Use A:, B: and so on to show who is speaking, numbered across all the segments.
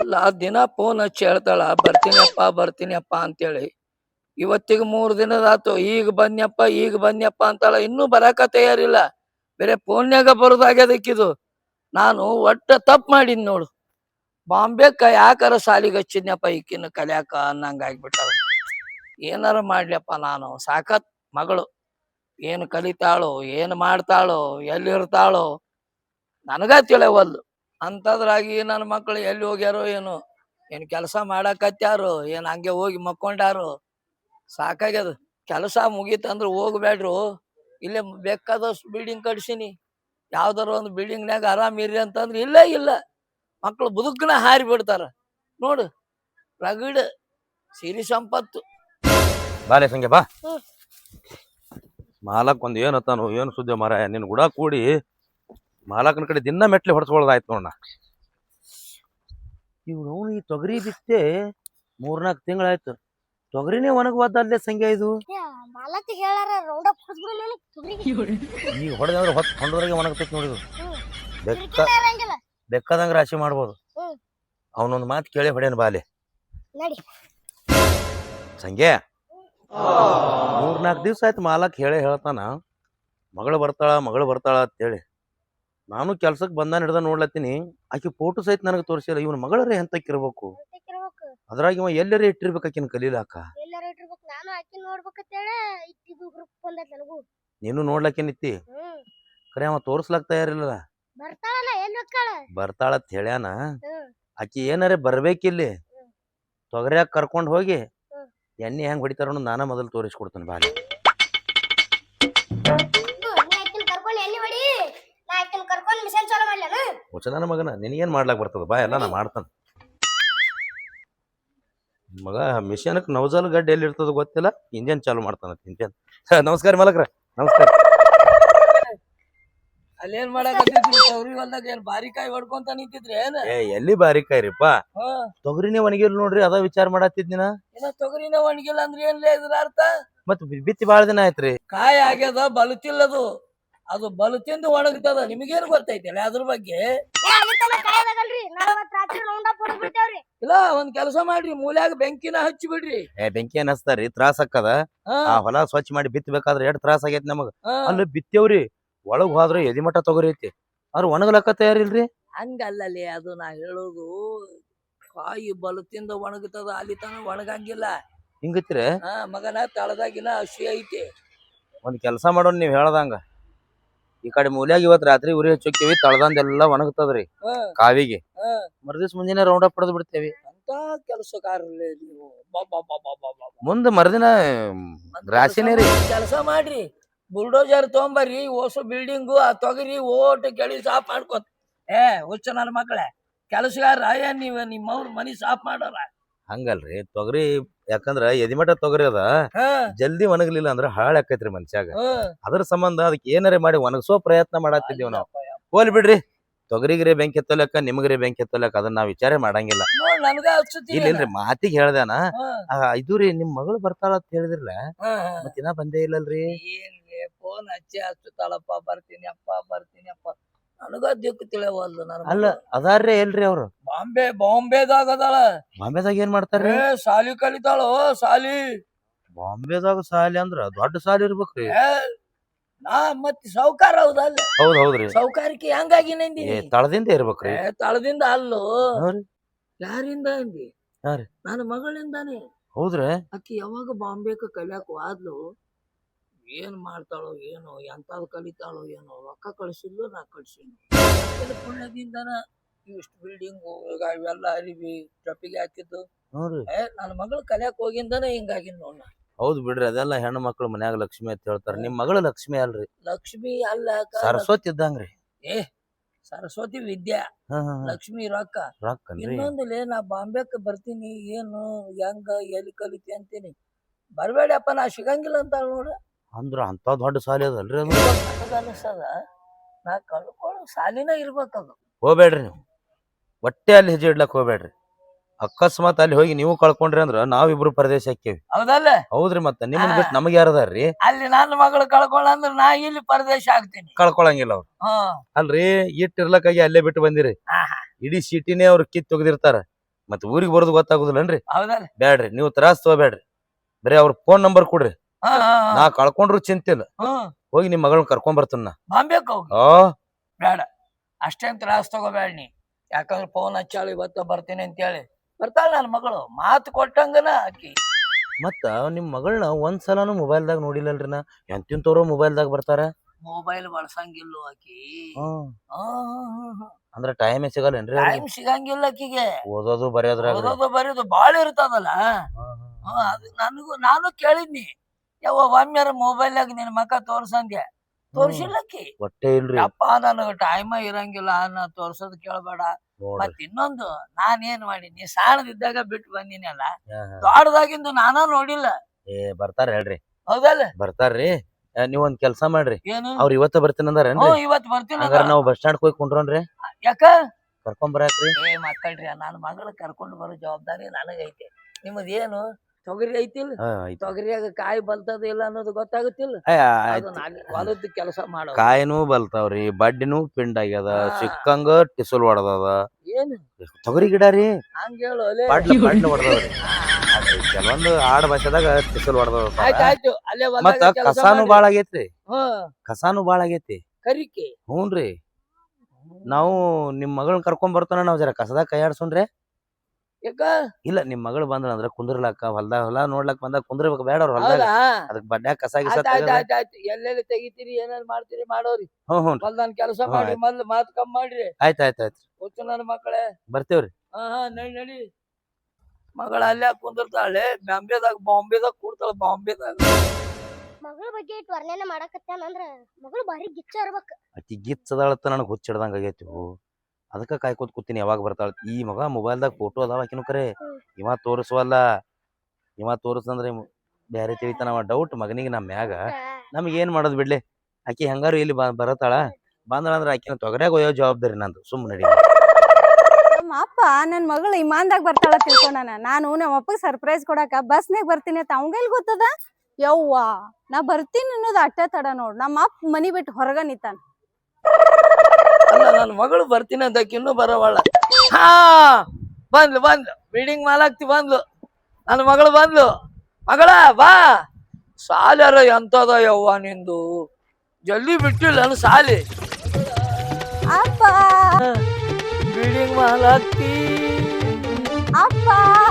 A: ಅಲ್ಲ ದಿನ ಫೋನ್ ಹಚ್ಚಿ ಹೇಳ್ತಾಳ ಬರ್ತೀನಿಯಪ್ಪ ಅಂತೇಳಿ. ಇವತ್ತಿಗೆ 3 ದಿನದಾತು. ಈಗ ಬನ್ಯಪ್ಪ ಅಂತಾಳ. ಇನ್ನೂ ಬರಾಕ ತಯಾರಿಲ್ಲ. ಬೇರೆ ಫೋನ್ಯಾಗ ಬರೋದಾಗ್ಯದಕ್ಕಿದು. ನಾನು ಒಟ್ಟ ತಪ್ಪು ಮಾಡಿದ್ ನೋಡು. ಬಾಂಬೆಕ್ಕ ಯಾಕಾರ ಸಾಲಿಗೆ ಹಚ್ಚಿದ್ನಪ್ಪ ಈಕಿನ ಕಲ್ಯಾಕ ಅನ್ನಂಗ ಆಗ್ಬಿಟ್ಟಾಳ. ಏನಾರ ಮಾಡ್ಲಪ್ಪ ನಾನು. ಸಾಕತ್ ಮಗಳು ಏನು ಕಲಿತಾಳೋ, ಏನು ಮಾಡ್ತಾಳೋ, ಎಲ್ಲಿರ್ತಾಳೋ ನನಗ ತಿಳಿಯವಲ್ದು. ಅಂತದ್ರಾಗಿ ನನ್ನ ಮಕ್ಕಳು ಎಲ್ಲಿ ಹೋಗ್ಯಾರೋ ಏನೋ, ಏನು ಕೆಲಸ ಮಾಡಕತ್ಯಾರೋ, ಏನು ಹಂಗೆ ಹೋಗಿ ಮಕ್ಕೊಂಡಾರೋ. ಸಾಕಾಗ್ಯದ. ಕೆಲಸ ಮುಗೀತಂದ್ರೆ ಹೋಗ್ಬೇಡ್ರು. ಇಲ್ಲೇ ಬೇಕಾದಷ್ಟು ಬಿಲ್ಡಿಂಗ್ ಕಟ್ಸಿನಿ. ಯಾವ್ದಾರ ಒಂದು ಬಿಲ್ಡಿಂಗ್ನಾಗ ಆರಾಮಿರ್ರಿ ಅಂತಂದ್ರೆ ಇಲ್ಲೇ ಇಲ್ಲ. ಮಕ್ಕಳು ಬದುಕನ ಹಾರಿ ಬಿಡ್ತಾರ ನೋಡು. ರಗಡ್ ಸಿರಿ ಸಂಪತ್ತು.
B: ಬಾಲೆ ಸಂಗೆ ಬಾ. ಮಾಲಕ್ ಒಂದ್ ಏನತ್ತಾನು ಏನು ಸುದ್ದಿ ಮಾರ. ನಿನ್ ಗುಡ ಕೂಡಿ ಮಾಲಕನ ಕಡೆ ದಿನ ಮೆಟ್ಲಿ ಹೊಡ್ಸ್ಕೊಳ್ಳೋದಾಯ್ತು ನೋಡ. ಇವ್ನು ಈ ತೊಗರಿ ಬಿತ್ತೆ 3-4 ತಿಂಗಳಾಯ್ತು. ತೊಗರಿನೇ ಒಣಗವಾದಲ್ಲೇ ಸಂಖ್ಯೆ ಇದು. ಈಗ ಹೊಡೆದಂದ್ರೆ ಹೊಂಡದ್ರಾಗೆ ಒಣಗ್ತೈತಿ ನೋಡಿದು. ಬೆಕ್ಕದಂಗ ರಾಶಿ ಮಾಡ್ಬೋದು. ಅವನೊಂದು ಮಾತು ಕೇಳಿ ಹೊಡೆಯನ್ ಬಾಲೆ ಸಂಖ್ಯೆ. 3-4 ದಿವ್ಸ ಆಯ್ತು ಮಾಲಕ್ ಹೇಳ್ತಾನ ಮಗಳು ಬರ್ತಾಳ ಅಂತೇಳಿ. ನಾನು ಕೆಲ್ಸಕ್ಕೆ ಹಿಡ್ದ ನೋಡ್ಲತ್ತೀನಿ. ಆಕಿ ಫೋಟೋ ಸಹಿತ ನನಗೆ ತೋರಿಸಿಲ್ಲ. ಇವನ್ ಮಗಳರೇ ಎಂತಕ್ಕಿರ್ಬೇಕು. ಅದ್ರಾಗ ಇವ ಎಲ್ಲರೇ ಇಟ್ಟಿರ್ಬೇಕು ಆಕಿನ ಕಲೀಲಾಕ. ನೀನು ನೋಡ್ಲಕ್ಕೇನಿತ್ತಿ. ಖರೆ ಅವ ತೋರ್ಸ್ಲಾಕ್ ತಯಾರಿಲ್ಲ. ಬರ್ತಾಳತ್ ಹೇಳ್ಯಾನ. ಆಕಿ ಏನಾರೇ ಬರ್ಬೇಕಿಲ್ಲಿ. ತೊಗರ್ಯಾಗ ಕರ್ಕೊಂಡ್ ಹೋಗಿ ಎಣ್ಣೆ ಹೆಂಗ್ ಹೊಡಿತಾರ ನಾನ ಮೊದಲು ತೋರಿಸ್ಕೊಡ್ತಾನೆ ಬಾಲಿ. ಹುಚ್ಚನ ಮಗನ ನಿನಗೇನ್ ಮಾಡ್ಲಾಕ್ ಬರ್ತದ ಬಾ. ಎಲ್ಲ ನಾ ಮಾಡ್ತಾನ. ಮಗ ಮಿಷನ್ಕ್ ನವಜಲ್ ಗಡ್ಡೆ ಎಲ್ಲಿ ಇರ್ತದ ಗೊತ್ತಿಲ್ಲ. ಇಂಜನ್ ಚಾಲು ಮಾಡ್ತಾನ ಇಂಜನ್. ನಮಸ್ಕಾರ ಮಲಕ್ರ. ನಮಸ್ಕಾರ.
A: ಅಲ್ಲೇನ್ ಮಾಡಕತ್ತಿದ್ರಿ? ತೊಗರಿ ಹೊಲ್ದಾಗ ಏನ್ ಬಾರಿಕಾಯಿ ಹೊಡ್ಕೊಂತ ನಿಂತಿದ್ರಿ ಏನ?
B: ಎಲ್ಲಿ ಬಾರಿಕಾಯಿ ರೀಪ. ತೊಗರಿನೇ ಒಣಗಿಲ್ ನೋಡ್ರಿ. ಅದ ವಿಚಾರ ಮಾಡತ್ತಿದ್ನಿನ.
A: ತೊಗರಿನೇ ಒಣಗಿಲ್ಲ ಅಂದ್ರೆ ಏನ್ಲೇ ಇದ್ರ ಅರ್ಥ?
B: ಮತ್ ಬಿತ್ತಿ ಬಾಳ ದಿನ ಆಯ್ತ್ರಿ.
A: ಕಾಯಿ ಆಗ್ಯದ, ಬಲುತಿಲ್ಲದು. ಅದು ಬಲುತಿಂದು ಒಣಗ್ತದ. ನಿಮಗೇನು ಗೊತ್ತೈತಿಲ್ಲ ಅದ್ರ ಬಗ್ಗೆ? ಇಲ್ಲ, ಒಂದ್ ಕೆಲಸ ಮಾಡ್ರಿ, ಮೂಲ್ಯಾಗ ಬೆಂಕಿನ ಹಚ್ಚಿ ಬಿಡ್ರಿ.
B: ಬೆಂಕಿ ಏನ್ ಹಚ್ತಾರಿ? ತ್ರಾಸ ಆಕ್ಕದ. ಆ ಹೊಲ ಸ್ವಚ್ಛ ಮಾಡಿ ಬಿತ್ತಬೇಕಾದ್ರೆ ಎಷ್ಟ್ ತ್ರಾಸ ಆಗೈತಿ ನಮಗ. ಅಲ್ಲಿ ಬಿತ್ತೇವ್ರಿ, ಒಳಗ್ ಹೋದ್ರೆ ಎದಿಮಠ ತೊಗರಿ ಐತಿ. ಆದ್ರ ಒಣಗ್ಲಕ್ಕ ತಯಾರಿಲ್ರಿ.
A: ಹಂಗಲ್ಲೇ ಅದು ನಾ ಹೇಳೋದು. ಕಾಯಿ ಬಲುತಿಂದ ಒಣಗ್ತದ, ಅಲ್ಲಿ ತನ ಒಣಗಂಗಿಲ್ಲ.
B: ಹಿಂಗತ್ರಿ
A: ಮಗನ. ತಳದಾಗಿನ ಹಸಿ ಐತಿ.
B: ಒಂದ್ ಕೆಲಸ ಮಾಡೋಣ, ನೀವ್ ಹೇಳ್ದಂಗ ಈ ಕಡೆ ಮೂಲ್ಯಾಗ ಇವತ್ ರಾತ್ರಿ ಉರಿ ಹಚ್ಚೋಕಿವಿ. ತಳದಂದೆಲ್ಲ ಒಣಗ್ತದ್ರಿ ಕಾವಿಗೆ. ಮರ್ದಿವ್ಸ ಮುಂದಿನ ರೌಂಡ್ ಅಪ್ ಹೊಡೆದ್ ಬಿಡ್ತೇವಿ.
A: ಅಂತ ಕೆಲಸಗಾರರೇ ನೀವು.
B: ಮುಂದ ಮರ್ದಿನ ರಾಶಿನೇ ರೀ.
A: ಕೆಲಸ ಮಾಡ್ರಿ, ಬುಲ್ಡೋಜರ್ ತೊಗೊಂಬರ್ರಿ. ಹೊಸ ಬಿಲ್ಡಿಂಗು ಆ ತೊಗರಿ ಓಟ್ ಕೆಳಿ ಸಾಫ್ ಮಾಡ್ಕೊತ. ಹುಚ್ಚ ನನ್ನ ಮಕ್ಕಳೇ, ಕೆಲಸಗಾರ ಏನ್ ನೀವ್ ನಿಮ್ಮವ್ರ ಮನಿ ಸಾಫ್ ಮಾಡೋರ?
B: ಹಂಗಲ್ರಿ. ತೊಗರಿ ಯಾಕಂದ್ರ ಎದಿಮಠ ತೊಗರಿ ಅದ. ಜಲ್ದಿ ಒಣಗ್ಲಿಲ್ಲ ಅಂದ್ರ ಹಾಳ್ ಆಕೈತ್ರಿ ಮನುಷ್ಯಾಗ. ಅದ್ರ ಸಂಬಂಧ ಅದಕ್ಕೆ ಏನಾರೇ ಮಾಡಿ ಒಣಗ್ಸೋ ಪ್ರಯತ್ನ ಮಾಡತ್ತಿದ್ದೀವಿ ನಾವು. ಹೋಲ್ ಬಿಡ್ರಿ. ತೊಗರಿಗ್ರೆ ಬೆಂಕಿ ಎತ್ತಲಕ್ಕ, ನಿಮಗ್ರೆ ಬೆಂಕಿ ಎತ್ತಲಕ್ಕ ಅದನ್ನ ನಾವ್ ವಿಚಾರ ಮಾಡಂಗಿಲ್ಲ. ಇಲ್ರಿ ಮಾತಿಗೆ ಹೇಳ್ದಾನ. ಇದು ರೀ, ನಿಮ್ ಮಗಳು ಬರ್ತಾಳ ಅಂತ ಹೇಳಿದ್ರಲ್ಲ, ಮತ್ತಿನ ಬಂದೇ ಇಲ್ಲಲ್ರಿ.
A: ಫೋನ್ ಹಚ್ಚುತ್ತಾಳಪ್ಪ, ಬರ್ತೀನಿಯಪ್ಪ. ನನಗ ದಿಕ್ಕು ತಿಳಿಯವಲ್ದು.
B: ಅಲ್ಲ ಅದಾರ್ರಿ ಎಲ್ರಿ ಅವ್ರು?
A: ಬಾಂಬೆದಾಗ ಅದಾಳ.
B: ಬಾಂಬೆದಾಗ ಏನ್ ಮಾಡ್ತಾರ್ರಿ?
A: ಸಾಲಿ ಕಲಿತಾಳು. ಸಾಲಿ
B: ಬಾಂಬೆದಾಗ ಸಾಲಿ ಅಂದ್ರ ದೊಡ್ಡ ಸಾಲಿ ಇರ್ಬೇಕ್ರಿ.
A: ಮತ್ ಸೌಕಾರ ಹೌದಲ್ಲ?
B: ಹೌದ್ರಿ.
A: ಸೌಕಾರಿಕೆ ಹಂಗಾಗಿ ನಂದಿ
B: ತಳದಿಂದ ಇರ್ಬೇಕ್ರಿ.
A: ತಳದಿಂದ ಅಲ್ಲೋ. ಯಾರಿಂದ ಅಂದಿ? ನನ್ನ ಮಗಳಿಂದಾನೆ.
B: ಹೌದ್ರಿ.
A: ಆಕಿ ಯಾವಾಗ ಬಾಂಬೆಕ ಕಲಿಯಾಕ ಆದ್ಲು. ಏನ್ ಮಾಡ್ತಾಳೋ ಏನೋ, ಎಂತಾದ್ ಕಲಿತಾಳೋ ಏನೋ. ರೊಕ್ಕ ಕಳ್ಸಿದ್ಲು, ನಾ ಕಳ್ಸಿದ್ಲು. ಪುಣ್ಯದಿಂದನ ಇಷ್ಟು ಬಿಲ್ಡಿಂಗು ಇವೆಲ್ಲ ಅರಿವಿ ಟ್ರಪ್ಪಿಗೆ ಹಾಕಿದ್ದು. ನನ್ನ ಮಗಳು ಕಲಿಯಾಕ ಹೋಗಿಂದನ ಹಿಂಗಾಗಿನ್ ನೋಡ.
B: ಹೌದ್ ಬಿಡ್ರಿ. ಅದೆಲ್ಲ ಹೆಣ್ಣು ಮಕ್ಳು ಮನ್ಯಾಗ ಲಕ್ಷ್ಮಿ ಅಂತ ಹೇಳ್ತಾರ. ನಿಮ್ ಮಗಳು ಲಕ್ಷ್ಮಿ ಅಲ್ರಿ?
A: ಲಕ್ಷ್ಮಿ ಅಲ್ಲ,
B: ಸರಸ್ವತಿ ಇದ್ದಂಗ್ರಿ.
A: ಸರಸ್ವತಿ ವಿದ್ಯಾ, ಲಕ್ಷ್ಮಿ ರೊಕ್ಕ. ಇನ್ನೊಂದಿಲ್ಲ, ನಾ ಬಾಂಬೆಕ್ ಬರ್ತೀನಿ, ಏನು ಹೆಂಗ ಎಲ್ಲಿ ಕಲಿತಿ ಅಂತೀನಿ. ಬರ್ಬೇಡಪ್ಪ, ನಾ ಸಿಗಂಗಿಲ್ಲ ಅಂತ ನೋಡ.
B: ಅಂದ್ರ ಅಂತ ದೊಡ್ಡ ಸಾಲಿ ಅದಲ್ರಿ ಅದು.
A: ಅನಸ್ತದ. ನಾ ಕಳ್ಕೊಳ್ಳೋ ಸಾಲಿನ ಇರ್ಬೇಕದು.
B: ಹೋಗ್ಬೇಡ್ರಿ ನೀವು. ಒಟ್ಟೆ ಅಲ್ಲಿ ಹೆಜ್ಜೆ ಇಡ್ಲಕ್ ಹೋಗ್ಬೇಡ್ರಿ. ಅಕಸ್ಮಾತ್ ಅಲ್ಲಿ ಹೋಗಿ ನೀವು ಕಳ್ಕೊಂಡ್ರಿ ಅಂದ್ರ ನಾವಿಬ್ರು ಪರದೇಶ ಹಾಕೇವಿ.
A: ಹೌದಲ್ಲ?
B: ಹೌದ್ರಿ. ಮತ್ತೆ ನಿಮ್ಮನ್ ಬಿಟ್ಟು ನಮಗ್ ಯಾರದಾರ್ರಿ?
A: ಅಲ್ಲಿ ನನ್ನ ಮಗಳು ಕಳ್ಕೊಳ್ಳಂದ್ರ ನಾ ಇಲ್ಲಿ ಪರದೇಶ ಆಗ್ತೀನಿ.
B: ಕಳ್ಕೊಳಂಗಿಲ್ಲ ಅವ್ರು. ಅಲ್ರಿ, ಇಟ್ಟಿರ್ಲಕ್ಕಾಗಿ ಅಲ್ಲೇ ಬಿಟ್ಟು ಬಂದಿರಿ. ಇಡೀ ಸಿಟಿನೇ ಅವ್ರು ಕಿತ್ ತೆಗ್ದಿರ್ತಾರ. ಮತ್ ಊರಿಗೆ ಬರೋದು ಗೊತ್ತಾಗುದಿಲ್ಲನ್ರಿ?
A: ಹೌದಲ್ಲ?
B: ಬ್ಯಾಡ್ರಿ, ನೀವು ತ್ರಾಸ್ ತಗೋಬೇಡ್ರಿ. ಬರೀ ಅವ್ರ ಫೋನ್ ನಂಬರ್ ಕೊಡ್ರಿ.
A: ಹಾ ಹಾ
B: ನಾ ಕಳ್ಕೊಂಡ್ರು ಚಿಂತೆ ಇಲ್ಲ. ಹೋಗಿ ನಿಮ್ ಮಗಳನ್ನ ಕರ್ಕೊಂಡ್ ಬರ್ತಾನ.
A: ಬಾಂಬೆಕ್ ಹೋಗಿ
B: ಓ
A: ಬೇಡ, ಅಷ್ಟೇನ್ ತ್ರಾಸ್ ತಗೋಬೇಡ ನೀ. ಯಾಕಂದ್ರೆ ಫೋನ್ ಹಚ್ಚಾಳು ಇವತ್ತ ಬರ್ತೀನಿ ಅಂತೇಳಿ. ಬರ್ತಾಳ ನನ್ನ ಮಗಳು, ಮಾತು ಕೊಟ್ಟಂಗನ ಆಕಿ.
B: ಮತ್ತ ನಿಮ್ ಮಗಳನ್ನ ಒಂದ್ಸಲನು ಮೊಬೈಲ್ದಾಗ ನೋಡಿಲ್ಲಲ್ರಿ ನಾ. ಎಂತಿಂತವ್ರು ಮೊಬೈಲ್ದಾಗ ಬರ್ತಾರ.
A: ಮೊಬೈಲ್ ಬಳಸಂಗಿಲ್ಲ ಆಕಿ.
B: ಅಂದ್ರ ಟೈಮ್ ಸಿಗಲ್ಲೇನ್ರಿ?
A: ಟೈಮ್ ಸಿಗಂಗಿಲ್ಲ ಆಕಿಗೆ.
B: ಓದೋದು ಬರೆಯೋದ್ರಾಗ
A: ಓದೋದು ಬರೆಯೋದು ಬಾಳ ಇರ್ತದಲ್ಲ. ಅದು ನಾನು ಕೇಳಿದ್ನಿ, ಯಾವ ಒಮ್ಮೆರ ಮೊಬೈಲ್ನಾಗ ನಿನ್ ಮಕ ತೋರ್ಸಂದೆ, ತೋರ್ಸಿಲ್ಲಕ್ಕಿ.
B: ಒಟ್ಟೆ ಇಲ್ರಿ.
A: ಅಪ್ಪ ನನಗ ಟೈಮ ಇರಂಗಿಲ್ಲ, ನಾ ತೋರ್ಸೋದ್ ಕೇಳ್ಬೇಡ. ಮತ್ ಇನ್ನೊಂದು, ನಾನೇನ್ ಮಾಡೀನಿ, ಸಾಣದಿದ್ದಾಗ ಬಿಟ್ಟು ಬಂದಿನಲ್ಲ, ದೊಡ್ಡದಾಗಿಂದು ನಾನ ನೋಡಿಲ್ಲ.
B: ಬರ್ತಾರ ಹೇಳ್ರಿ.
A: ಹೌದಲ್ಲ?
B: ಬರ್ತಾರ್ರಿ. ನೀವ್ ಒಂದ್ ಕೆಲ್ಸ ಮಾಡ್ರಿ,
A: ಏನು?
B: ಅವ್ರ ಇವತ್ತ ಬರ್ತೀನಿ ಅಂದಾರೇನ್ರಿ?
A: ಇವತ್ ಬರ್ತೀನಿ.
B: ಹಂಗಾರ ನಾವ್ ಬಸ್ ಸ್ಟಾಂಡ್ ಹೋಗಿ ಕುಂಡ್ರೋನ್ರಿ.
A: ಯಾಕ?
B: ಕರ್ಕೊಂಡ್ ಬರಾಕ್ರಿ.
A: ಮಕ್ಕಳ್ರಿ, ನನ್ನ ಮಗಳ ಕರ್ಕೊಂಡು ಬರೋ ಜವಾಬ್ದಾರಿ ನನಗೈತೆ. ನಿಮ್ಮದ್ ಏನು ತೊಗರಿ ಐತಿಲ್ಲ? ತೊಗರಿಯಾಗ ಕಾಯಿ ಬಲ್ತದ ಇಲ್ಲ ಅನ್ನೋದು ಗೊತ್ತಾಗುತ್ತಿಲ್ಲ. ಹೊಲದ ಕೆಲಸ ಮಾಡೋ
B: ಕಾಯಿನೂ ಬಲ್ತಾವ್ರಿ, ಬಡ್ಡಿನೂ ಪಿಂಡ್ ಆಗ್ಯದ, ಸಿಕ್ಕಂಗ ಟಿಸಲ್ ಹೊಡದದ.
A: ಏನು
B: ತೊಗರಿ ಗಿಡ ರೀ?
A: ಹಂಗ ಹೇಳು.
B: ಹೊಡದವ್ರಿ. ಕೆಲವೊಂದು ಆಡ ಭಾಷೆದಾಗ ಟಿಸಲ್ ಹೊಡದದ.
A: ಆಯ್ತಾಯ್ತು, ಅಲ್ಲೇ
B: ಮತ್ತ ಕಸಾನು ಬಾಳ ಆಗೇತ್ರಿ. ಕಸಾನು ಬಾಳ ಆಗೇತಿ.
A: ಕರಿಕೆ.
B: ಹ್ಞೂನ್ರಿ. ನಾವು ನಿಮ್ ಮಗಳನ್ನ ಕರ್ಕೊಂಡ್ ಬರ್ತಾನ, ನಾವ್ ಜರ ಕಸದಾಗ ಕೈ ಆಡ್ಸೋಣ್ರಿ.
A: ಯಾಕ?
B: ಇಲ್ಲ, ನಿಮ್ ಮಗಳು ಬಂದ್ರ ಅಂದ್ರ ಕುಂದ್ರಲಾಕ, ಹೊಲ ನೋಡ್ಲಕ್ ಬಂದಾಗ ಕುಂದ್ರಬೇಕು. ಬೇಡ ಅವ್ರ ಹೊಲದಾಗ ಅದಕ್ ಬಡ್ಡ್ಯಾಗ ಕಸ ಗಿಸ
A: ಎಲ್ಲೆಲ್ಲಿ ತೆಗಿತೀರಿ, ಏನೇನ್ ಮಾಡ್ತೀರಿ ಮಾಡೋರಿ.
B: ಹ್ಞೂ
A: ಹೊಲ್ದಾನ್ ಕೆಲಸ ಮಾಡಿ, ಮೊದ್ಲು ಮಾತ್ ಕಮ್ಮಿ ಮಾಡ್ರಿ.
B: ಆಯ್ತಾಯ್ತು.
A: ಗೊತ್ತು ನನ್ನ ಮಕ್ಕಳೇ,
B: ಬರ್ತೇವ್ರಿ.
A: ನಡಿ. ಮಗಳ ಅಲ್ಲೇ ಕುಂದಿರ್ತಾಳೆ, ಬಾಂಬೆದಾಗ ಕೂಡ್ತಾಳ. ಬಾಂಬೆದಾಗ
C: ಮಗಳ ಬಗ್ಗೆ ಇಟ್ಟು ವರ್ಣನೆ ಮಾಡಕತ್ತಾನಂದ್ರ ಮಗಳು ಬಾರಿ ಗಿಚ್ಚ ಇರ್ಬೇಕ.
B: ಅಕ್ಕಿ ಗಿಚ್ಚದಾಳತ್ತ ನನಗ್ ಹುಚ್ಚಿಡ್ದಂಗ ಆಗೈತಿ. ಅದಕ್ಕ ಕಾಯ್ಕೋತ್ ಕೂತೀನಿ ಯಾವಾಗ ಬರ್ತಾಳ. ಈ ಮಗ ಮೊಬೈಲ್ದಾಗ ಫೋಟೋ ಅದಾವ ಆಕಿನೂ ಕರೆ. ಇವ ತೋರಿಸುವಲ್ಲ. ಇವ ತೋರಿಸಂದ್ರೆ ಬ್ಯಾರೆ ತಿಳಿತಾನ ಡೌಟ್ ಮಗನಿಗೆ ನಮ್ಮ ಮ್ಯಾಗ. ನಮ್ಗೆ ಏನ್ ಮಾಡೋದ್ ಬಿಡ್ಲಿ. ಆಕಿ ಹೆಂಗಾರು ಇಲ್ಲಿ ಬರತಾಳ. ಬಂದಳಂದ್ರ ಆಕಿನ ತೊಗರ್ಯಾಗ ಒಯ್ಯೋ ಜವಾಬ್ದಾರಿ ನಂದು. ಸುಮ್ಮನೆ ನಡಿ.
D: ನಮ್ಮ ಅಪ್ಪ ನನ್ ಮಗಳು ಇಮಾನ್ದಾಗ ಬರ್ತಾಳ ತಿಳ್ಕೊಂಡಾನ. ನಾನು ನಮ್ಮ ಅಪ್ಪಗೆ ಸರ್ಪ್ರೈಸ್ ಕೊಡಾಕ ಬಸ್ನಾಗ ಬರ್ತೀನಿ ಅಂತ ಅವಂಗೆಲ್ ಗೊತ್ತದ? ಯವ್ವಾ, ನಾ ಬರ್ತೀನಿ ಅನ್ನೋದು ಅಟ್ಟ ತಡ ನೋಡ್. ನಮ್ಮ ಅಪ್ಪ ಮನಿ ಬಿಟ್ಟು ಹೊರಗ ನಿಂತಾನ.
A: ಅಲ್ಲ, ನನ್ನ ಮಗಳು ಬರ್ತೀನಿ ಅಂತ ಇನ್ನೂ ಬರವಳ. ಬಂದ್ಲು ಬಿಲ್ಡಿಂಗ್ ಮಾಲಾಕ್ತಿ ಬಂದ್ಲು. ನನ್ನ ಮಗಳು ಬಂದ್ಲು. ಮಗಳ ಬಾ. ಸಾಲ್ಯಾರ ಎಂತದ ಯವ್ವ ನಿಂದು, ಜಲ್ದಿ ಬಿಟ್ಟಿಲ್ಲ ನನ್ನ ಸಾಲಿ.
D: ಅಪ್ಪ
A: ಬಿಲ್ಡಿಂಗ್ ಮಾಲಾಕ್ತಿ.
D: ಅಪ್ಪ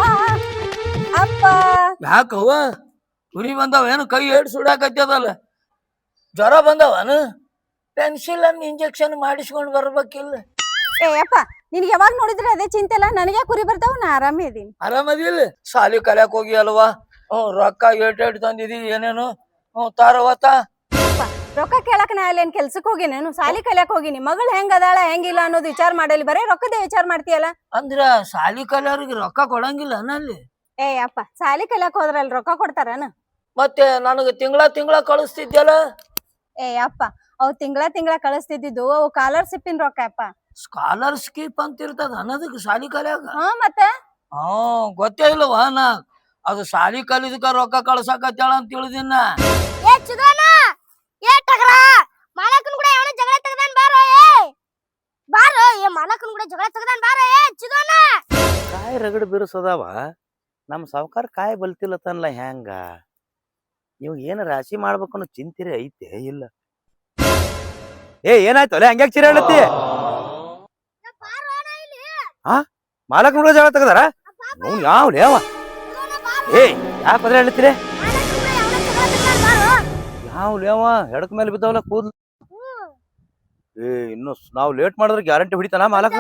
D: ಅಪ್ಪ
A: ಯಾಕವ್ವ ತುರಿ ಬಂದಾವ ಏನು? ಕೈ ಏಡ್ ಸುಡಾಕತ್ತದಲ್ಲ. ಜ್ವರ ಬಂದವನು? ಪೆನ್ಸಿಲ್ ಅನ್ನು ಇಂಜೆಕ್ಷನ್ ಮಾಡಿಸ್ಕೊಂಡ್ ಬರ್ಬೇಕಿಲ್ಲ?
D: ಅಪ್ಪ, ನಿನ್ಗೆ ಯಾವಾಗ ನೋಡಿದ್ರೆ ಅದೇ ಚಿಂತೆ ಅಲ್ಲ. ನನಗೆ ಕುರಿ ಬರ್ತಾವ, ನಾ ಆರಾಮೇ ಇದೀನಿ.
A: ಆರಾಮದಿಲ್ಲ? ಸಾಲಿ ಕಲ್ಯಾಕ್ ಹೋಗಿ ಅಲ್ವಾ? ರೊಕ್ಕ ಏಟ್ ತಂದಿದಿ ಏನೇನು? ತಾರವತ್ತ
D: ರೊಕ್ಕ ಕೇಳಕ್ ನಾ ಅಲ್ಲೇನ್ ಕೆಲ್ಸಕ್ ಹೋಗಿನೇನು? ಸಾಲಿ ಕಲ್ಯಾಕ್ ಹೋಗಿನಿ. ಮಗಳು ಹೆಂಗ್ ಅದಾಳ ಹೆಂಗಿಲ್ಲ ಅನ್ನೋದು ವಿಚಾರ ಮಾಡಲಿ, ಬರೇ ರೊಕ್ಕದೇ ವಿಚಾರ ಮಾಡ್ತೀಯಲ್ಲ.
A: ಅಂದ್ರ ಸಾಲಿ ಕಲ್ಯಾವ್ರಿಗೆ ರೊಕ್ಕ ಕೊಡಂಗಿಲ್ಲ ನಲ್ಲಿ?
D: ಅಪ್ಪ, ಸಾಲಿ ಕಲ್ಯಾಕ್ ಹೋದ್ರಲ್ಲಿ ರೊಕ್ಕ ಕೊಡ್ತಾರನ?
A: ಮತ್ತೆ ನನಗ ತಿಂಗಳ ಕಳಿಸ್ತಿದ್ಯಲ್ಲ?
D: ಅಪ್ಪ, ಅವ್ ತಿಂಗಳ ಕಳಿಸ್ತಿದ್ದು ಅವು ಸ್ಕಾಲರ್ಶಿಪ್ಪಿನ ರೊಕ್ಕ ಅಪ್ಪ.
A: ಸ್ಕಾಲರ್ಶಿಪ್ ಅಂತ ಇರ್ತದ ಅನ್ನೋದಕ್ಕೆ ಸಾಲಿ ಕಲ್ಯಾಗ?
D: ಮತ್ತೆ
A: ಗೊತ್ತೇ ಇಲ್ಲವಾ ನಾ. ಅದು ಸಾಲಿ ಕಲಿದಕ್ಕ ರೊಕ್ಕ ಕಳ್ಸಕತ್ತೇಳ ಅಂತ ತಿಳಿದಿನ.
C: ಮಾಲಕನ್ ಕೂಡ ಅವನ ಜಗಳ ತೆಗದಾನ್ ಬಾರೋ. ಮಾಲಕನ್ ಕೂಡ ಜಗಳ ತೆಗದಾನ್ ಬಾರೋ.
B: ಕಾಯಿ ರಗಡ್ ಬಿರುಸದಾವ. ನಮ್ ಸಾವುಕಾರ ಕಾಯಿ ಬಲ್ತಿಲ್ಲತ್ತನ್ಲ. ಹೆಂಗ ಇವ್ ಏನ ರಾಶಿ ಮಾಡ್ಬೇಕು ಅನ್ನೋ ಚಿಂತಿರೆ ಐತೆ ಇಲ್ಲ? ಏನಾಯ್ತು ಅಲ್ಲೇ ಹಂಗ್ಯಾಕ್ ಚಿರ ಹೇಳತ್ತಿ? ಮಾಲಕ್ ನೋಡ ಜಗಳ ತೆಗದಾರ? ಯಾವ್ಲೇ ಅವ? ಯಾಕೆ ಬದ್ರೆ ಹೇಳ್ತೀರಿ? ಯಾವ್ಲೇ ಅವ? ಹೆಡಕ್ ಮೇಲೆ ಬಿದ್ದಾವಲ್ಲ ಕೂದ್ಲು. ಇನ್ನು ನಾವ್ ಲೇಟ್ ಮಾಡಿದ್ರೆ ಗ್ಯಾರಂಟಿ ಹೊಡಿತಾನ ಮಾಲಕ್?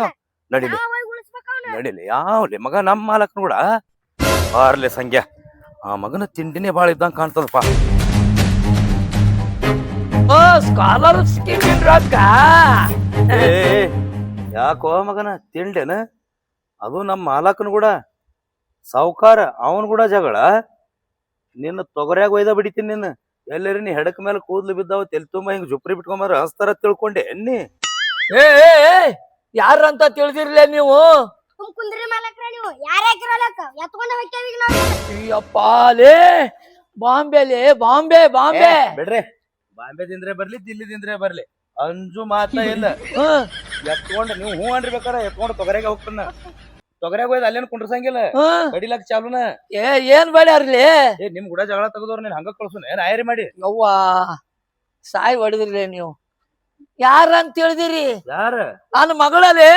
B: ನಡಿಲಿ ಯಾವ್ಲಿ ಮಗ ನಮ್ ಮಾಲಕ್ನು ಕೂಡ ಬಾರ್ಲೆ ಸಂಖ್ಯಾ. ಆ ಮಗನ ತಿಂಡಿನೇ ಬಾಳ ಇದ್ದಂಗ ಕಾಣ್ತದಪ್ಪ.
A: ಸ್ಕಾಲರ್ಶಿಪ್ ರೊಕ್ಕ
B: ಯಾಕೋ ಮಗನ ತಿಂಡೇನ? ಅದು ನಮ್ ಮಾಲಕನು ಕೂಡ ಸಾವುಕಾರ, ಅವನ್ ಕೂಡ ಜಗಳ. ನಿನ್ನ ತೊಗರ್ಯಾಗ ಒಯ್ದ ಬಿಡಿತೀನಿ. ನಿನ್ನ ಎಲ್ಲರಿ ನೀ ಹೆಡಕ್ ಮೇಲೆ ಕೂದ್ಲು ಬಿದ್ದಾವ, ತೆಲ್ ತುಂಬಾ ಹಿಂಗ್ ಜುಪ್ರಿ ಬಿಟ್ಕೊಂಬಾರ ಹಸ್ತಾರ ತಿಳ್ಕೊಂಡೆ ಎನ್ನಿ?
A: ಯಾರಂತ ತಿಳಿದಿರ್ಲೇ ನೀವು?
C: ಕುಂದ್ರಿ ಮಾಲಕ್ರ ನೀವು ಯಾರ್ಯಾಕಿರಲಕ್ಕ ಎತ್ಕೊಂಡ ಹೋಗ್ತೇವಿ ನಾವು.
A: ಅಯ್ಯಪ್ಪಾಲೇ, ಬಾಂಬೆಲೆ ಬಾಂಬೆ
B: ಬಿಡ್ರಿ. ಬಾಂಬೆ ದಿಂದ್ರೆ ಬರ್ಲಿ, ದಿಲ್ಲಿ ದಿಂದ್ರೆ ಬರ್ಲಿ, ಅಂಜು ಮಾತ ಇಲ್ಲ. ಎತ್ಕೊಂಡ್ ನೀವು ಹೂ ಅನ್ರಿ ಬೇಕಾರ ಎತ್ಕೊಂಡ್ ತೊಗರೆಗೆ ಹೋಗ್ತಾನ. ತೊಗರ್ಯಾಗ ಹೋಯ್ದ ಅಲ್ಲೇನ್ ಕುಂಡ್ರಸಂಗಿಲ್ಲ
A: ಹ್ಮ್
B: ಕಡಿಲಾಕ್ ಚಾಲುನ.
A: ಏನ್ ಮಾಡ್ಯಾರ್ಲಿ
B: ಏ ನಿಮ್ ಕೂಡ ಜಗಳ ತೆಗದವ್ರ ನೀನ್ ಹಂಗ ಕಳ್ಸುನ ಏನ್ ಆಯರಿ ಮಾಡಿ.
A: ಯವ್ವಾ ಸಾಯಿ ಹೊಡೆದ್ರಿ ನೀವು. ಯಾರ ಅಂತ ಹೇಳಿದಿರಿ?
B: ಯಾರ?
A: ನನ್ನ ಮಗಳಲ್ಲಿ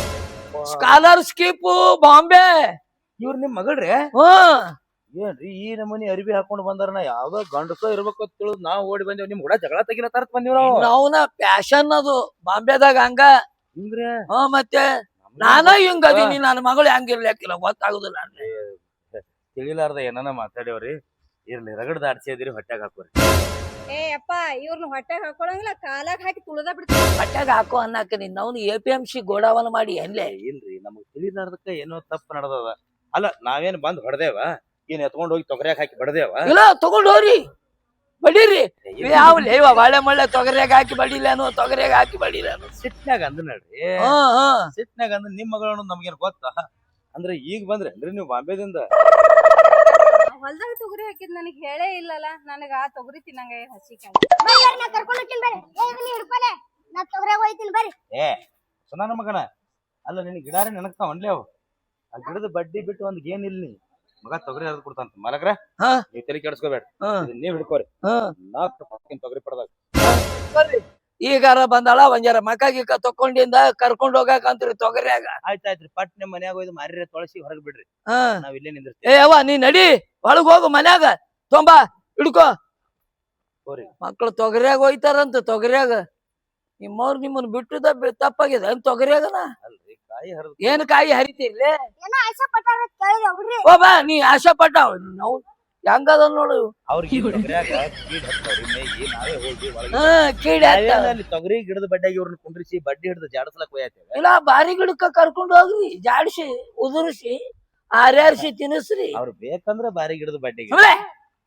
A: ಸ್ಕಾಲರ್ಶಿಪ್ ಬಾಂಬೆ.
B: ಇವ್ರ ನಿಮ್ ಮಗಳ್ರಿ?
A: ಹ್ಮ್
B: ಏನ್ರಿ ಈ ನಮೂನಿ ಅರಿವಿ ಹಾಕೊಂಡ್ ಬಂದಾರ, ಯಾವ್ದೋ ಗಂಡಸೋ ಇರ್ಬೇಕು ಅಂತ ತಿಳಿದ್ ನಾವ್ ಓಡಿ ಬಂದೇವ್. ನಿಮ್ ಕೂಡ ಜಗಳ ತೆಗಿಲ ತರತ್ ಬಂದಿವ್ ನಾವು.
A: ನಾವ್ನ ಪ್ಯಾಶನ್ ಅದು ಬಾಂಬೆದಾಗ ಹಂಗ.
B: ಹಿಂಗ್ರಿ?
A: ಮತ್ತೆ ನಾನ ಹಿಂಗ ಅದೀನಿ, ನನ್ನ ಮಗಳು ಹೆಂಗಿರ್ಲಿಕ್ಕಿಲ್ಲ ಗೊತ್ತಾಗುದಿಲ್ಲ.
B: ತಿಳಿಲಾರ್ದ ಏನಾನ ಮಾತಾಡ್ಯವ್ರಿ. ಇರ್ಲಿ ರಗಡ್ ದಾಡ್ಸಿದಿರಿ ಹೊಟ್ಯಾಗ ಹಾಕೋರಿ.
D: ಏ ಅಪ್ಪ ಇವ್ರನ್ನ ಹೊಟ್ಟೆಗೆ ಹಾಕೊಳಂಗಿಲ್ಲ, ಕಾಲಾಗ ಹಾಕಿ ತುಳದ ಬಿಡ್ತೀವಿ.
A: ಹೊಟ್ಯಾಗ ಹಾಕೋ ಅನ್ನಕ ನಿನ್ನವ್ನು APMC ಗೋಡಾವನ ಮಾಡಿ ಅಲ್ಲೇ.
B: ಇಲ್ರಿ ನಮಗ್ ತಿಳಿಲಾರ್ದಕ್ಕ ಏನೋ ತಪ್ಪು ನಡ್ದದ. ಅಲ್ಲ ನಾವೇನ್ ಬಂದ್ ಹೊಡೆದೇವ, ಏನ್ ಎತ್ಕೊಂಡ್ ಹೋಗಿ ತೊಗರ್ಯಾಗ ಹಾಕಿ ಬಡದೇವ?
A: ಇಲ್ಲ ತಗೊಂಡ್ ಹೋಗ್ರಿ, ಬಡೀರಿ. ಯಾವ್ಲಿ ಇವ ಬಾಳೆ ಮಳ್ಳೆ ತೊಗರ್ಯಾಗ ಹಾಕಿ ಬಡಿಲೇನು, ತೊಗರ್ಯಾಗ ಹಾಕಿ ಬಡಿಲೇನು?
B: ಸಿಟ್ನ್ಯಾಗ ಅಂದ್ ನಡ್ರಿ.
A: ಹ್ಮ್
B: ಸಿಟ್ನ್ಯಾಗ ಅಂದ್ ನಿಮ್ ಮಗಳನ್ನ ನಮ್ಗೇನ್ ಗೊತ್ತಾ? ಅಂದ್ರೆ ಈಗ ಬಂದ್ರಿ ಅಂದ್ರೆ ನೀವು ಬಾಂಬೆದಿಂದ?
D: ಹೊಲ್ದಾಗ ತೊಗರಿ ಹಾಕಿದ್ ನನಗ್ ಹೇಳೇ ಇಲ್ಲಲ್ಲ. ನನಗ ಆ ತೊಗರಿ ತಿನ್ನಂಗ ಹಸಿಕಾಯಿ.
C: ನಾ ಕರ್ಕೊಂಡು ಹೋಗ್ತೀನಿ ಬರ್ರಿ. ನೀ ಹಿಡ್ಕೊಲೆ, ನಾ ತೊಗರ್ಯಾಗ ಹೋಯ್ತೀನಿ ಬರ್ರಿ.
B: ಏ ಸುನಾನ ಮಗನ, ಅಲ್ಲ ನಿನ್ ಗಿಡಾರಿ ನೆನಕ್ತಾವ ಅನ್ಲೇ ಅವು. ಆ ಗಿಡದ ಬಡ್ಡಿ ಬಿಟ್ಟು ಒಂದ್ ಗೇನ್ ಇಲ್ಲಿ ಮಗ ತೊಗರಿ ಹರಿದ್ ಕೊಡ್ತಾನ. ಮಲಗ್ರ ನೀವ್ ತಲೆ ಕೆಡ್ಸ್ಕೋಬೇಡ, ನೀವ್ ಹಿಡ್ಕೋರಿ. ನಾ ತೊಗರಿ ಪಡ್ದಾಗ
A: ಈಗಾರ ಬಂದಾಳ ಒಂಜಾರ ಮಕ ಗಿಕ್ಕ ತಕೊಂಡಿಂದ ಕರ್ಕೊಂಡ್ ಹೋಗಾಕ ಅಂತ್ರಿ ತೊಗರ್ಯಾಗ.
B: ಆಯ್ತಾಯ್ತ್ರಿ, ಪಟ್ ನಿಮ್ ಮನ್ಯಾಗ ಹೋಯ್ದು ಮಾರಿ ತೊಳಸಿ ಹೊರಗ್ ಬಿಡ್ರಿ, ನಾವ್ ಇಲ್ಲೇ ನಿಂದಿರ್ತೀವಿ.
A: ಏ ಅವ್ವ ನೀ ನಡಿ ಒಳಗ್ ಹೋಗು, ಮನ್ಯಾಗ ತೊಂಬಾ ಹಿಡ್ಕೋ.
B: ಹೋರಿ.
A: ಮಕ್ಳು ತೊಗರ್ಯಾಗ ಹೋಯ್ತಾರಂತ. ತೊಗರ್ಯಾಗ ನಿಮ್ಮವ್ರು ನಿಮ್ಮನ್ ಬಿಟ್ಟದ ತಪ್ಪಾಗಿದೆ ತೊಗರ್ಯಾಗನ.
B: ಅಲ್ರಿ ಕಾಯಿ ಹರಿದ್
A: ಏನ್ ಕಾಯಿ ಹರಿತಿರ್ಲಿ?
C: ಏನೋ ಆಸೆ ಪಟ್ಟಾರ ಕೇಳಿದೆ ಹುಡ್ರಿ.
A: ಓ ಬಾ ನೀ ಆಶಾ ಪಟ್ಟ ನಾವು ಹೆಂಗದ ನೋಡು.
B: ಅವ್ರಿಗೆ ತೊಗರ್ಯಾಗ ಕೀಡ್ ಹತ್ತವ್ರಿ ಮೇಗಿ, ನಾವೇ ಹೋಗಿ ಒಳಗೆ
A: ಕೀಡಿ
B: ಅಲ್ಲಿ ತೊಗರಿ ಗಿಡದ ಬಡ್ಡಿಯಾಗಿ ಇವ್ರನ್ನ ಕುಂಡ್ರಿಸಿ ಬಡ್ಡಿ ಹಿಡಿದು ಜಾಡಸ್ಲಕ್ ಹೋಯ್ತೇವೆ.
A: ಇಲ್ಲ ಬಾರಿ ಗಿಡಕ್ಕ ಕರ್ಕೊಂಡ್ ಹೋಗ್ರಿ, ಜಾಡಿಸಿ ಉದುರಿಸಿ ಆರ್ಯಾರಿಸಿ ತಿನ್ನಿಸ್ರಿ.
B: ಅವ್ರು ಬೇಕಂದ್ರ ಬಾರಿ ಗಿಡದ ಬಡ್ಡಿಗೆ
A: ಸುಮ್ನೆ.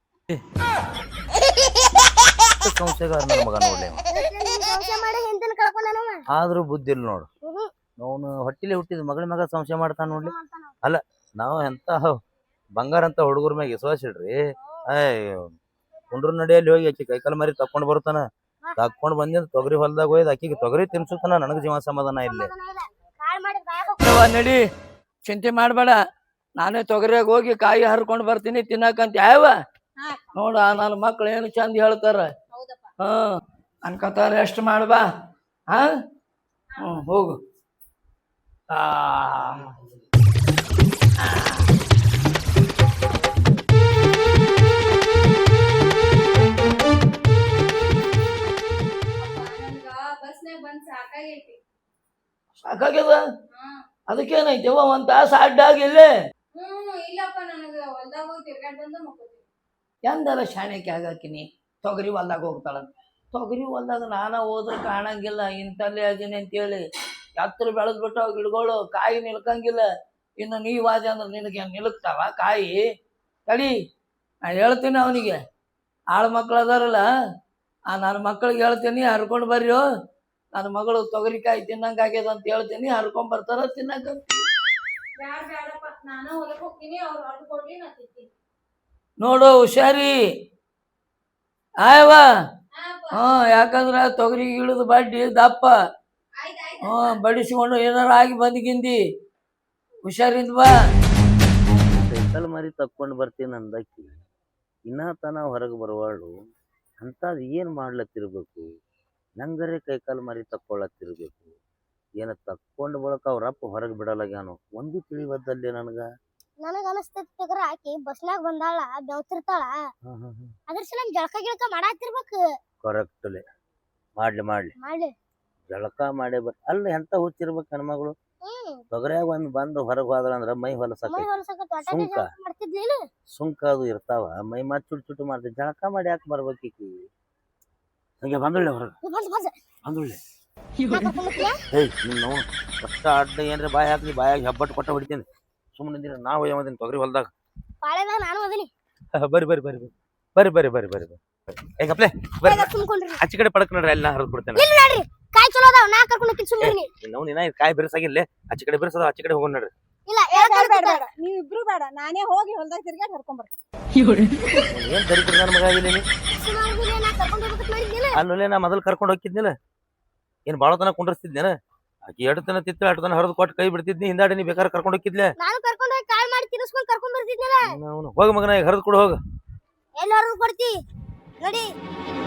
B: ಸಂಶಯಗಾರ ನನ್ನ ಮಗ ನೋಡ್ಲಿ.
C: ಸಂಶಯ ಮಾಡಿ ಹಿಂದಿನ ಕಳ್ಕೊಂಡನವ.
B: ಆದ್ರೂ ಬುದ್ಧಿ ಇಲ್ಲ ನೋಡು. ಅವನು ಹೊಟ್ಟಿಲೆ ಹುಟ್ಟಿದ ಮಗಳ ಮಗ ಸಂಶಯ ಮಾಡ್ತಾನ ನೋಡ್ಲಿ. ಅಲ್ಲ ನಾವು ಎಂತ ಬಂಗಾರ ಅಂತ ಹುಡುಗರ ಮ್ಯಾಗ ವಿಶ್ವಾಸ ಇಡ್ರಿ. ಕುಂಡ್ರ ನಡಿಯಲ್ಲಿ ಹೋಗಿ ಆಕಿ ಕೈಕಾಲ ಮಾರಿ ತಕೊಂಡ್ ಬರ್ತಾನ. ತಕೊಂಡ್ ಬಂದಿದ್ ತೊಗರಿ ಹೊಲ್ದಾಗ ಹೋಯ್ದು ಆಕಿಗೆ ತೊಗರಿ ತಿನ್ಸುತ್ತಾನ. ನನಗ್ ಜೀವ ಸಮಾಧಾನ ಇಲ್ಲಿ.
C: ಕಾಳ್ ಮಾಡಿ ಬಾಯಾಗ
A: ನಡಿ, ಚಿಂತೆ ಮಾಡ್ಬೇಡ. ನಾನೇ ತೊಗರಿಯಾಗ ಹೋಗಿ ಕಾಯಿ ಹರ್ಕೊಂಡ್ ಬರ್ತೀನಿ ತಿನ್ನಕಂತ. ಯಾವ ನೋಡ ನನ್ನ ಮಕ್ಳು ಏನು ಚಂದ ಹೇಳ್ತಾರ. ಅನ್ಕತಾರ ಎಷ್ಟು ಮಾಡ್ಬಾ. ಹೋಗು.
D: ಬಸ್ನಾಗ ಬಂದ್ ಸಾಕಾಗೈತಿ.
A: ಸಾಕಾಗ್ಯದ? ಅದಕ್ಕೇನೈತಿ ಒಂದ್ ತಾಸ ಅಡ್ಡಾಗಿಲ್ಲೇ.
D: ಇಲ್ಲಪ್ಪ ನನಗ ಹೊಲ್ದಾಗ ಹೋಗಿ ತಿರ್ಗಾಡ್ ಬಂದು ಮಕ್ಕೋತೀನಿ.
A: ಎಂದರ ಶಾಣೆಕ್ಕೆ ಆಗಾಕಿನಿ. ತೊಗರಿ ಹೊಲ್ದಾಗ ಹೋಗ್ತಾಳ. ತೊಗರಿ ಹೊಲ್ದಾಗ ನಾನ ಹೋದ್ರೆ ಕಾಣಂಗಿಲ್ಲ. ಇಂತಲ್ಲೇ ಅದೀನಿ ಅಂತೇಳಿ ಎತ್ತರ ಬೆಳೆದ್ಬಿಟ್ಟಾವ ಗಿಡಗಳು, ಕಾಯಿ ನಿಲ್ಕಂಗಿಲ್ಲ. ಇನ್ನು ನೀವಾದ ಅಂದ್ರೆ ನಿನಗೆ ನಿಲ್ಕ್ತಾವ ಕಾಯಿ? ತಡಿ, ನಾ ಹೇಳ್ತೀನಿ ಅವನಿಗೆ. ಆಳು ಮಕ್ಳು ಅದಾರಲ್ಲ, ನನ್ನ ಮಕ್ಳಿಗೆ ಹೇಳ್ತೀನಿ ಹರ್ಕೊಂಡ್ ಬರ್ರಿ. ನನ್ನ ಮಗಳು ತೊಗರಿಕಾಯಿ ತಿನ್ನಂಗ ಆಗ್ಯದ ಅಂತ ಹೇಳ್ತೀನಿ, ಹರ್ಕೊಂಡ್ ಬರ್ತಾರ ತಿನ್ನಂಗ.
D: ಬ್ಯಾಡಪ್ಪ, ನಾನು ಹೊಲಕ್ ಹೋಗ್ತೀನಿ, ಅವ್ರು ಹೊರಗೆ ಕೊಡ್ಲಿ ನಾ ತಿಂತೀನಿ.
A: ನೋಡು ಹುಷಾರಿ ಆಯವ. ಯಾಕಂದ್ರ ತೊಗರಿ ಇಳಿದು ಬಡ್ಡಿ ದಪ್ಪ. ಬಡಿಸಿಕೊಂಡು ಏನಾರ ಆಗಿ ಬಂದ್ಗಿಂದಿ ಹುಷಾರಿಂದ ಬಾ.
B: ಸೈಕಲ್ ಮಾರಿ ತಕ್ಕೊಂಡ್ ಬರ್ತೀನಿ ಅಂದಕ್ಕಿ ಇನ್ನ ತನ ಹೊರಗೆ ಬರುವಾಳು. ಅಂಥದ್ದು ಏನು ಮಾಡ್ಲತ್ತಿರ್ಬೇಕು? ನಂಗರೆ ಕೈಕಾಲು ಮಾರಿ ತಕ್ಕೊಳ್ಳತ್ತಿರ್ಬೇಕು. ಏನ ತಕ್ಕೊಂಡ್ ಬಳಕ ಅವ್ರಪ್ಪ ಹೊರಗೆ ಬಿಡಲಾಗ್ಯಾನು ಒಂದು ತಿಳಿವದ್ದಲ್ಲಿ ನನಗ.
C: ನನಗ ಅನಸ್ತೈತಿ ಆಕಿ ಬಸ್ನಾಗ ಬಂದಾಳ, ಬೆವ್ತಿರ್ತಾಳ. ಅದ್ರ ಸಲ ಜಳಕ ಗಿಳಕ ಮಾಡಾತಿರ್ಬೇಕು.
B: ಕರೆಕ್ಟ್ಲೆ ಮಾಡ್ಲಿ
C: ಮಾಡ್ಲಿ
B: ಜಳಕ ಮಾಡೇ ಅಲ್ಲ ಎಂತ ಹುಚ್ಚಿರ್ಬೇಕು ಹೆಣ್ಮಗಳು. ತೊಗರ್ಯಾಗ ಒಂದ್ ಬಂದು ಹೊರಗೆ ಹೋದ್ರ ಅಂದ್ರ ಮೈ ಹೊಲಸಕ ಸುಂಕ ಅದು ಇರ್ತಾವ. ಮೈ ಮತ್ ಚುಟ್ ಚುಟ್ಟು ಮಾಡ್ತೀವಿ. ಜಳಕ ಮಾಡಿ ಯಾಕೆ ಬರ್ಬೇಕೀಕಿ? ಹಂಗೆ ಬಂದುಳ್ಳೆ ಹೊರಗೆ ಬಂದುಳ್ಳೆ. ಏಯ್ ನೀನು ಕಷ್ಟ ಅಡ್ಡ ಏನ್ರ ಬಾಯಿ ಹಾಕಿ ಬಾಯಾಗಿ ಹೆಬ್ಬಟ್ಟು ಕೊಟ್ಟ ಹೊಡಿತೀನಿ. ಸುಮ್ಮನೆ ನಾವು ಯಾವದಿನ ತೊಗರಿ ಹೊಲ್ದಾಗ
C: ನಾನು ಅದೀನಿ.
B: ಬರ್ರಿ ಬರ್ರಿ ಬರ್ರಿ ಬರ್ರಿ ಬರ್ರಿ ಬರ್ರಿ ಬರ್ರಿ ಬರ್ರಿ ಹೇಗಪ್ಲೆ ಬರ್ರಿ. ಆಚೆ ಕಡೆ ಪಡಕ್ ನೋಡ್ರಿ, ಅಲ್ಲಿ ನಾ ಹರಿದ್ ಬಿಡ್ತೇನೆ.
C: ಕಾಯಿ ಚಲೋ ಅದಾವ, ನಾ ಕರ್ಕೊಂಡು ಹೋಗ್ತೀನಿ ಸುಮ್ಮನೆ.
B: ನಾವು ನೀನ ಕಾಯಿ ಬಿರ್ಸಾಗಿಲ್ಲ, ಆಚೆ ಕಡೆ ಬಿರ್ಸದ ಆಚೆ ಕಡೆ ಹೋಗೋಣ ನೋಡ್ರಿ.
C: ಇಲ್ಲ
D: ನೀವ್ ಇಬ್ರು ಬೇಡ, ನಾನೇ ಹೋಗಿ ಹೊಲ್ದಾಗ ತಿರ್ಗಾಡ್ ಹರ್ಕೊಂಡ್ ಬರ್ತೀನಿ.
B: ಏನ್ ದರಿದ್ರ ನನ್ನ ಮಗ ಆಗಿಲ್ಲ ನೀ? ಅಲ್ಲೇ ನಾ ಮೊದಲು ಕರ್ಕೊಂಡು ಹೋಗಿದ್ನಿಲ್ಲ, ಏನ್ ಬಾಳ ತನ ಕುಂಡ್ರಸ್ತಿದ್ನೇನ? ಆಕಿ ಎಡ್ತನ ತಿತ್ತ ಅಡ್ತನ ಹರಿದು ಕೊಟ್ಟು ಕೈ ಬಿಡ್ತಿದ್ನಿ ಹಿಂದಾಡಿ ನೀ ಬೇಕಾದ್ರೆ ಕರ್ಕೊಂಡು ಹೋಗಿದ್ಲೆ
C: ನಾನು ಕರ್ಕೊಂಡ್ ಹೋಗಿ ಕಾಲ್ ಮಾಡಿ ತಿರ್ಸ್ಕೊಂಡ್ ಕರ್ಕೊಂಡ್ ಬರ್ತಿದ್ನಲ್ಲ.
B: ಅವನು ಹೋಗ ಮಗನ ಈಗ ಹರಿದು ಕೊಡು ಹೋಗ.
C: ಎಲ್ಲಿ ಹೊರಗ್ ಕೊಡ್ತಿ ನಡಿ.